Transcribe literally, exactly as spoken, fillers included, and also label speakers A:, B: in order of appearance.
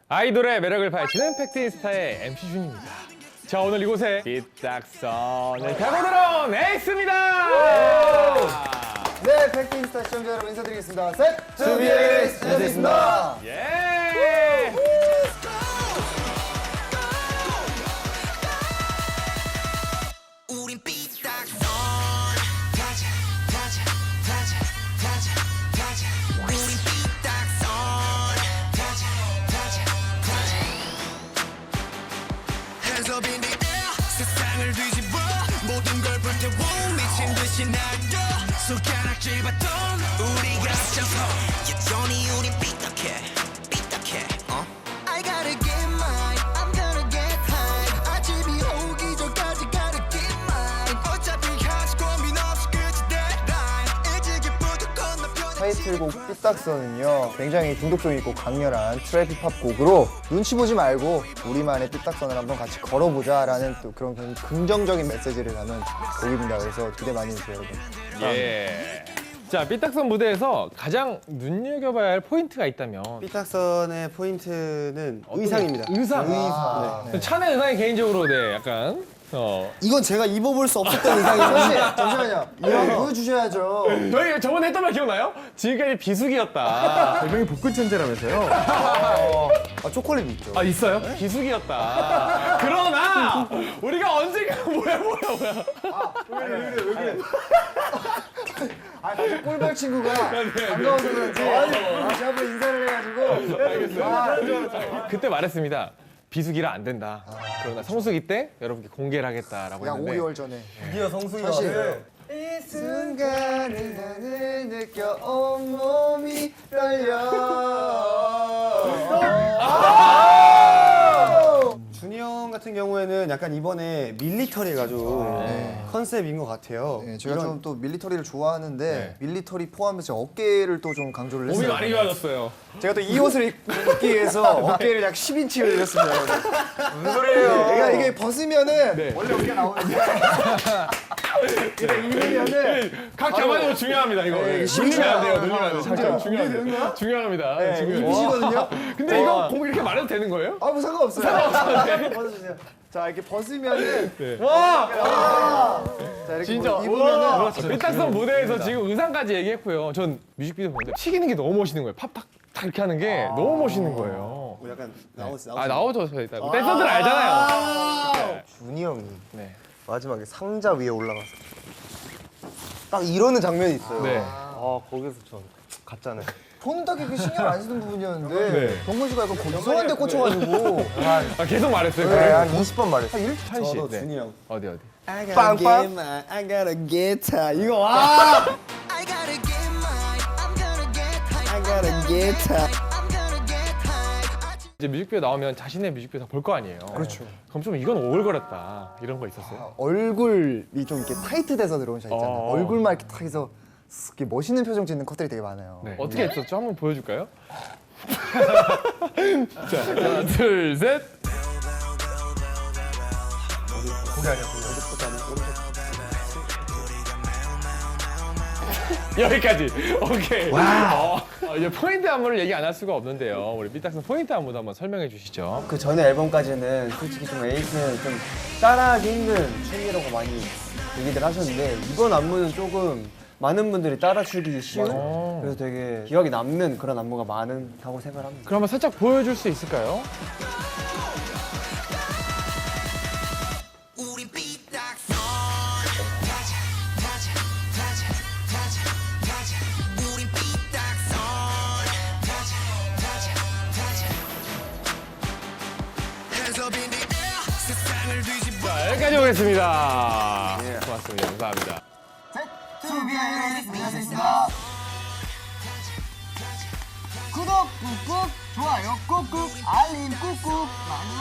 A: 아이돌의 매력을 파헤치는 팩트인스타의 엠씨 준입니다. 자, 오늘 이곳에 삐딱선을 타고 들어온 에이스입니다.
B: 네, 팩트인스타 시청자 여러분 인사드리겠습니다. 셋, 투비에이스 인사드리겠습니다.
A: 예.
C: 우린 삐딱선 가자 가자 가자 가자 가자 우린 삐딱선 가자 가자 가자 Hands up in the air 세상을 뒤집어 모든 걸 불태워 미친 듯이 날려 손가락 집었던 우리가 앞서서 여전히 우린 삐딱해 삐딱해 어? I gotta get mine I'm gonna get high 아침이 오기 전까지 gotta get mine 어차피 가지 고민 없이 끝이 deadline 일찍이부터 건너편
B: 타이틀곡 삐딱선은요 굉장히 중독성 있고 강렬한 트랩 힙합 곡으로 눈치 보지 말고 우리만의 삐딱선을 한번 같이 걸어보자 라는 또 그런 긍정적인 메시지를 담은 곡입니다. 그래서 기대 많이 해주세요 여러분.
A: 예. 자, 삐딱선 무대에서 가장 눈여겨봐야 할 포인트가 있다면
D: 삐딱선의 포인트는 의상입니다.
A: 의상.
B: 의상.
A: 네. 찬의 의상이 개인적으로 네, 약간 어.
D: 이건 제가 입어볼 수 없었던 의상이에요.
B: 잠시, 잠시만요. 이거 보여주셔야죠.
A: 저희 저번에 했던 말 기억나요? 지금까지 비수기였다.
D: 별명이 복근 천재라면서요?
B: 아, 초콜릿 있죠.
A: 아, 있어요? 비수기였다. 그러나 우리가 언젠가 뭐야 뭐야 뭐야.
B: 아, 다시 꿀벌 친구가 반가워서 그런지 다시 한번 인사를 해가지고. 아,
A: 그때 말했습니다. 비수기라 안 된다. 그러나 성수기 때 여러분께 공개를 하겠다라고
B: 약
A: 했는데
B: 오 개월 전에.
D: 드디어 성수기가
B: 사실
D: 왔어요.
B: 이 순간을 나는 느껴 온몸이 떨려.
D: 준이 형 같은 경우에는 약간 이번에 밀리터리 가지고 컨셉인 것 같아요.
B: 네, 제가
D: 이런-
B: 좀 또 밀리터리를 좋아하는데
A: 네.
B: 밀리터리 포함해서 어깨를 또 좀 강조를
A: 몸이
B: 했어요.
A: 많이 좋아졌어요.
B: 제가 또 이 옷을 입- 입기 위해서 어깨를 약 십 인치를 늘렸습니다. 무슨 소리예요? 그러니까 이게 벗으면은
A: 네.
B: 원래 어깨가 나오는데 이게 입으면은
A: 각 잡아내는 거 중요합니다. 이거.
B: 네,
A: 네,
B: 심지어-
A: 눌리면 안 돼요. 눌리면 안 돼요.
B: 진짜
A: 잠깐
B: 이게 되는
A: 중요합니다.
B: 거야?
A: 중요합니다.
B: 네,
A: 지금.
B: 입으시거든요.
A: 근데 이거 공 이렇게 말해도 되는 거예요?
B: 아, 뭐 상관없어요. 벗어주세요. 자, 이렇게 벗으면은
A: 네.
B: 자, 이렇게
A: 진짜.
B: 뭐 입으면은
A: 그렇죠. 삐딱선 무대에서 지금 의상까지 얘기했고요. 전 뮤직비디오 보는데 튀기는 게 너무 멋있는 거예요. 팝 탁 탁 이렇게 하는 게 너무 멋있는 거예요.
D: 뭐 약간 나오스
A: 아, 나오죠. 저희 일단. 댄서들 알잖아요.
E: 준이 형이
A: 네.
E: 마지막에 상자 위에 올라가서 딱 이러는 장면이 있어요.
A: 네.
E: 아 거기서 전 갔잖아요.
B: 본 딱히 그 신경 안 쓰는 부분이었는데
A: 네.
B: 동건 씨가 약간 이상한 데 꽂혀가지고
A: 아, 계속 말했어요.
E: 네, 한 이십 번 말했어요.
A: 한 씨.
D: 저도
A: 네.
D: 준이 형.
A: 어디 어디.
D: I gotta
E: 빵빵.
D: get mine, I gotta get high. 이거 와!
C: I gotta get mine I'm gonna get high
D: I gotta get high.
C: I'm gonna get high
A: 이제 뮤직비디오 나오면 자신의 뮤직비디오 다 볼 거 아니에요. 그렇죠. 그럼 좀 이건 오글거렸다. 이런 거 있었어요?
B: 얼굴이 좀 이렇게 타이트돼서 들어온 샷 있잖아요.
A: 어.
B: 얼굴만 이렇게 탁 해서 이렇게 멋있는 표정 짓는 컷들이 되게 많아요.
A: 네. 어떻게 했었죠? 한번 보여줄까요? 자, 하나, 둘, 셋. 여기까지. 오케이. 어, 어, 이제 포인트 안무를 얘기 안 할 수가 없는데요. 우리 삐딱선 포인트 안무도 한번 설명해 주시죠.
D: 그 전에 앨범까지는 솔직히 좀 에이스는 좀 따라하기 힘든 춤이라고 많이 얘기들 하셨는데 이번 안무는 조금 많은 분들이 따라추기 쉬운
A: 맞아요.
D: 그래서 되게 기억에 남는 그런 안무가 많다고 생각을 합니다.
A: 그럼 한번 살짝 보여줄 수 있을까요?
C: 우린 삐딱선 가자 가자 가자 가자 가자 우린 삐딱선 가자 가자 가자 Hands up in the air 세상을 뒤집어
A: 자, 여기까지 오겠습니다. 고맙습니다. 감사합니다.
B: 구독 꾹꾹, 좋아요 꾹꾹, 알림 꾹꾹 많이